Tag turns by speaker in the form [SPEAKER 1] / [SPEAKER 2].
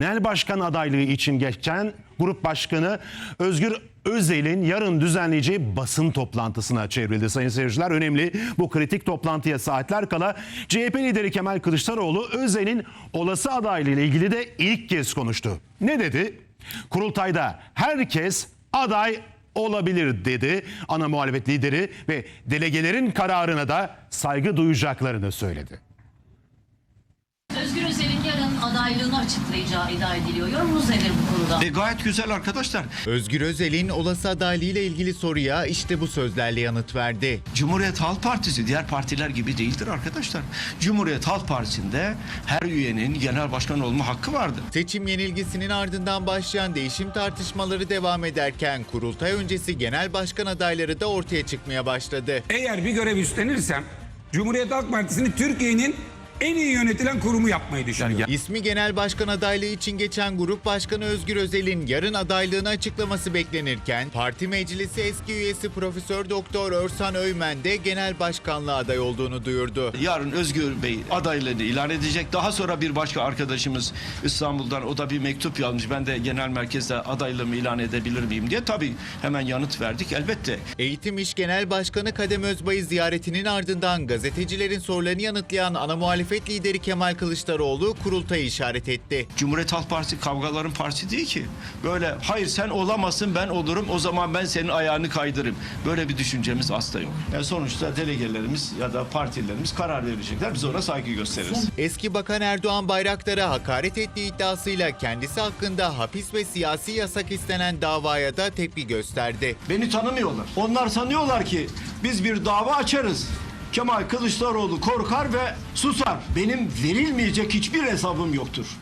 [SPEAKER 1] Genel başkan adaylığı için geçen Grup Başkanı Özgür Özel'in yarın düzenleyeceği basın toplantısına çevrildi sayın seyirciler. Önemli bu kritik toplantıya saatler kala CHP lideri Kemal Kılıçdaroğlu Özel'in olası adaylığı ile ilgili de ilk kez konuştu. Ne dedi? Kurultayda herkes aday olabilir dedi. Ana muhalefet lideri ve delegelerin kararına da saygı duyacaklarını söyledi.
[SPEAKER 2] Özgür Özel'in yarın adaylığını açıklayacağı iddia ediliyor. Yorumunuz nedir bu konuda?
[SPEAKER 3] Gayet güzel arkadaşlar.
[SPEAKER 4] Özgür Özel'in olası adaylığıyla ilgili soruya işte bu sözlerle yanıt verdi.
[SPEAKER 3] Cumhuriyet Halk Partisi diğer partiler gibi değildir arkadaşlar. Cumhuriyet Halk Partisi'nde her üyenin genel başkan olma hakkı vardır.
[SPEAKER 4] Seçim yenilgisinin ardından başlayan değişim tartışmaları devam ederken kurultay öncesi genel başkan adayları da ortaya çıkmaya başladı.
[SPEAKER 5] Eğer bir görev üstlenirsem Cumhuriyet Halk Partisi'ni Türkiye'nin en iyi yönetilen kurumu yapmayı düşünüyorum.
[SPEAKER 4] İsmi genel başkan adaylığı için geçen Grup Başkanı Özgür Özel'in yarın adaylığını açıklaması beklenirken parti meclisi eski üyesi Profesör Doktor Örsan Öymen de genel başkanlığa aday olduğunu duyurdu.
[SPEAKER 3] Yarın Özgür Bey adaylığını ilan edecek. Daha sonra bir başka arkadaşımız İstanbul'dan o da bir mektup yazmış. Ben de genel merkezde adaylığımı ilan edebilir miyim diye. Tabii hemen yanıt verdik elbette.
[SPEAKER 4] Eğitim İş Genel Başkanı Kadem Özbay'ı ziyaretinin ardından gazetecilerin sorularını yanıtlayan ana muhalefet lideri Kemal Kılıçdaroğlu kurultayı işaret etti.
[SPEAKER 3] Cumhuriyet Halk Partisi kavgaların partisi değil ki. Böyle hayır sen olamazsın ben olurum o zaman ben senin ayağını kaydırırım. Böyle bir düşüncemiz asla yok. Yani sonuçta delegelerimiz ya da partilerimiz karar verecekler. Biz ona saygı gösteririz.
[SPEAKER 4] Eski Bakan Erdoğan Bayraktar'a hakaret ettiği iddiasıyla kendisi hakkında hapis ve siyasi yasak istenen davaya da tepki gösterdi.
[SPEAKER 3] Beni tanımıyorlar. Onlar sanıyorlar ki biz bir dava açarız. Kemal Kılıçdaroğlu korkar ve susar. Benim verilmeyecek hiçbir hesabım yoktur.